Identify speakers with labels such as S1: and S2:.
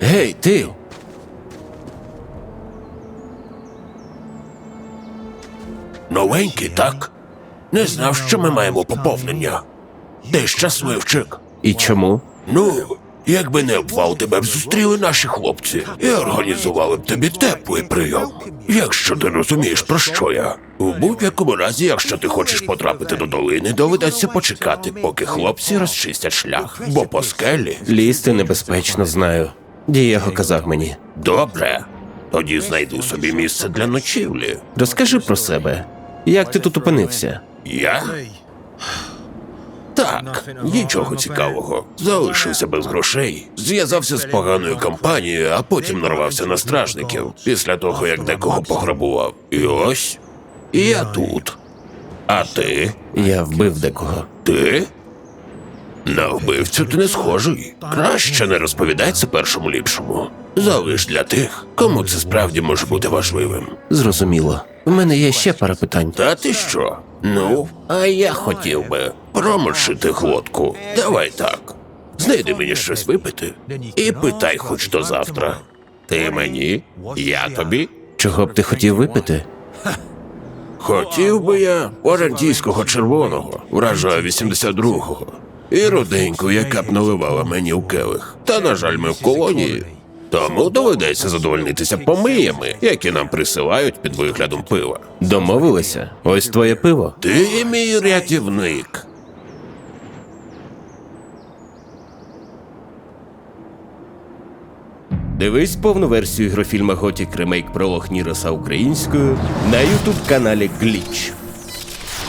S1: Гей, ти!
S2: Новенький, так? Не знав, що ми маємо поповнення. Ти щасливчик.
S1: І чому?
S2: Ну, якби не обвал, тебе б зустріли наші хлопці і організували б тобі теплий прийом. Якщо ти розумієш, про що я. У будь-якому разі, якщо ти хочеш потрапити до долини, доведеться почекати, поки хлопці розчистять шлях. Бо по скелі...
S1: Лізти небезпечно, знаю. Дієго казав мені.
S2: Добре. Тоді знайди собі місце для ночівлі.
S1: Розкажи про себе. Як ти тут опинився?
S2: Я? Так, нічого цікавого. Залишився без грошей, зв'язався з поганою компанією, а потім нарвався на стражників, після того, як декого пограбував. І ось, я тут. А ти?
S1: Я вбив декого.
S2: Ти? На вбивцю ти не схожий. Краще не розповідай це першому ліпшому. Залиш для тих, кому це справді може бути важливим.
S1: Зрозуміло. У мене є ще пара питань.
S2: Та ти що? Ну, а я хотів би промочити глотку. Давай так. Знайди мені щось випити і питай хоч до завтра. Ти мені, я тобі.
S1: Чого б ти хотів випити?
S2: Хотів би я орандійського червоного, вражаю 82-го. І руденьку, яка б наливала мені в келих. Та, на жаль, ми в колонії. Тому доведеться задовольнитися помиями, які нам присилають під виглядом пива.
S1: Домовилися? Ось твоє пиво.
S2: Ти мій рятівник.
S1: Дивись повну версію ігрофільма Готік Ремейк Пролог Ніроса українською на ютуб-каналі Гліч.